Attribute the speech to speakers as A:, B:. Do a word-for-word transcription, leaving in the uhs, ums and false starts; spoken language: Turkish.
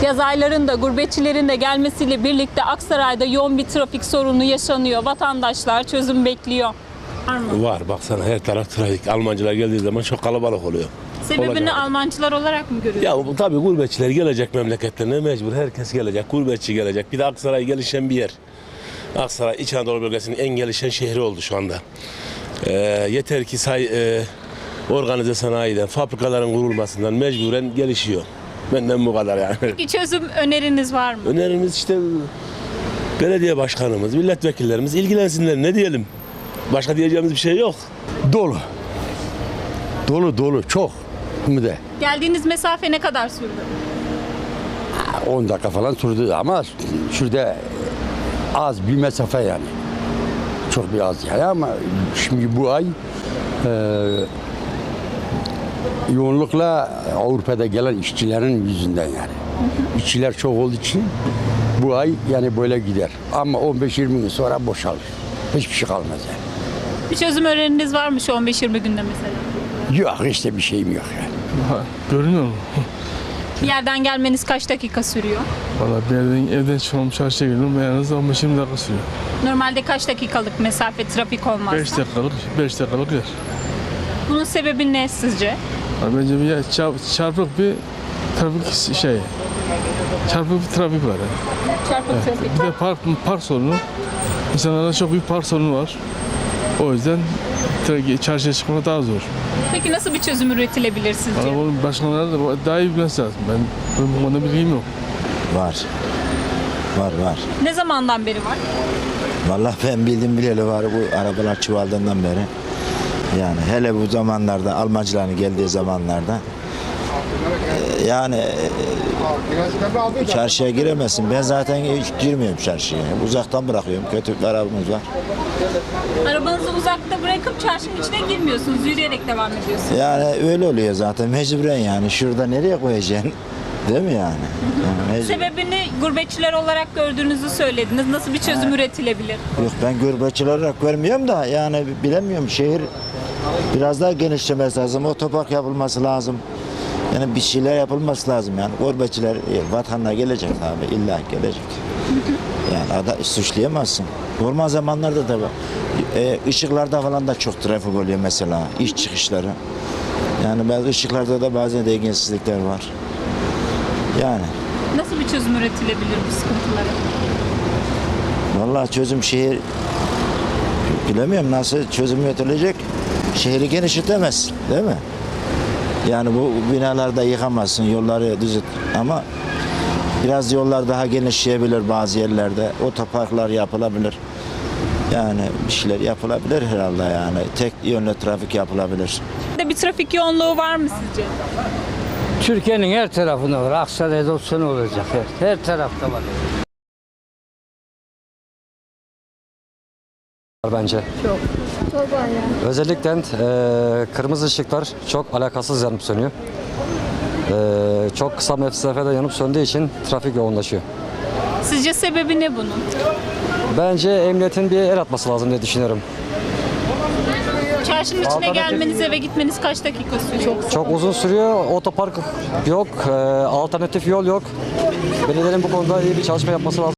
A: Yaz aylarında gurbetçilerin de gelmesiyle birlikte Aksaray'da yoğun bir trafik sorunu yaşanıyor. Vatandaşlar çözüm bekliyor. Var mı?
B: Var, baksana her taraf trafik. Almancılar geldiği zaman çok kalabalık oluyor.
A: Sebebini
B: Olacak.
A: Almancılar olarak mı görüyorsunuz?
B: Ya bu, tabii gurbetçiler gelecek memleketlerine mecbur. Herkes gelecek. Gurbetçi gelecek. Bir de Aksaray gelişen bir yer. Aksaray İç Anadolu bölgesinin en gelişen şehri oldu şu anda. Ee, yeter ki say, e, organize sanayiden, fabrikaların kurulmasından mecburen gelişiyor. Benden bu kadar yani.
A: Peki çözüm öneriniz var mı?
B: Önerimiz işte belediye başkanımız, milletvekillerimiz ilgilensinler. Ne diyelim? Başka diyeceğimiz bir şey yok.
C: Dolu. Dolu dolu çok. Hem de
A: Geldiğiniz mesafe ne kadar sürdü?
C: on dakika falan sürdü ama şurada az bir mesafe yani. Çok bir az yani ama şimdi bu ay e, yoğunlukla Avrupa'da gelen işçilerin yüzünden yani. İşçiler çok olduğu için bu ay yani böyle gider. Ama on beş yirmi gün sonra boşalır. Hiçbir şey kalmaz yani.
A: Bir çözüm öneriniz var mı şu on beş yirmi günde mesela?
C: Yok işte bir şeyim yok yani.
D: Ha, görünüyor mu?
A: Bir yerden gelmeniz kaç dakika sürüyor?
D: Valla bir yerden evden çıkmam çarşıya girdim en az on beş yirmi dakika sürüyor.
A: Normalde kaç dakikalık mesafe trafik olmazsa?
D: beş dakikalık, beş dakikalık yer.
A: Bunun sebebi ne sizce?
D: Yani bence bir yer, çarp- çarpık bir trafik şey, çarpık bir trafik var yani.
A: Çarpık trafik.
D: Bir de park, park sorunu. İnsanlarda çok büyük park sorunu var. O yüzden tra- çarşıya çıkmak daha zor.
A: Peki nasıl bir çözüm üretilebilir sizce?
D: Arabanın başkanları da daha iyi bilmesi lazım. Ben, benim bu konuda bilgim yok.
E: Var. Var var.
A: Ne zamandan beri var?
E: Vallahi ben bildim bileli var bu arabalar çuvaldığından beri. Yani hele bu zamanlarda Almancıların geldiği zamanlarda e, yani e, çarşıya giremezsin. Ben zaten hiç girmiyorum çarşıya. Uzaktan bırakıyorum. Kötü bir arabamız var.
A: Arabanızı uzakta bırakıp çarşının içine girmiyorsunuz. Yürüyerek devam ediyorsunuz.
E: Yani öyle oluyor zaten mecburen yani. Şurada nereye koyacaksın? Değil mi yani? Yani mecbur-
A: Sebebini gurbetçiler olarak gördüğünüzü söylediniz. Nasıl bir çözüm üretilebilir?
E: Yok ben gurbetçi olarak görmüyorum da yani bilemiyorum şehir biraz daha genişlemesi lazım. Otopark yapılması lazım. Yani bir şeyler yapılması lazım yani. Gurbetçiler e, vatanına gelecek abi illa gelecek. Yani ada, suçlayamazsın. Normal zamanlarda da e, ışıklarda falan da çok trafik oluyor mesela iş çıkışları. Yani bazı ışıklarda da bazen dengesizlikler var. Yani
A: Nasıl bir çözüm üretilebilir bu sıkıntılara?
E: vallahi çözüm şehir bilemiyorum nasıl çözüm üretilecek. Şehri genişletemez değil mi? Yani bu binalarda yıkamazsın, yolları düzelt ama biraz yollar daha genişleyebilir bazı yerlerde. Otoparklar yapılabilir. Yani bir şeyler yapılabilir herhalde yani. Tek yönlü trafik yapılabilir.
A: De bir trafik yoğunluğu var mı sizce?
F: Türkiye'nin her tarafında var. Aksaray'da olsa ne olacak? Her, her tarafta var.
G: Bence. Çok. Çok var ya. Özellikle e, kırmızı ışıklar çok alakasız yanıp sönüyor. E, çok kısa mesafede yanıp söndüğü için trafik yoğunlaşıyor.
A: Sizce sebebi ne bunun?
G: Bence emniyetin bir el atması lazım diye düşünüyorum.
A: Çarşının içine gelmeniz, eve gitmeniz kaç dakika sürüyor?
G: Çok uzun sürüyor. Otopark yok. E, alternatif yol yok. Belediyenin bu konuda iyi bir çalışma yapması lazım.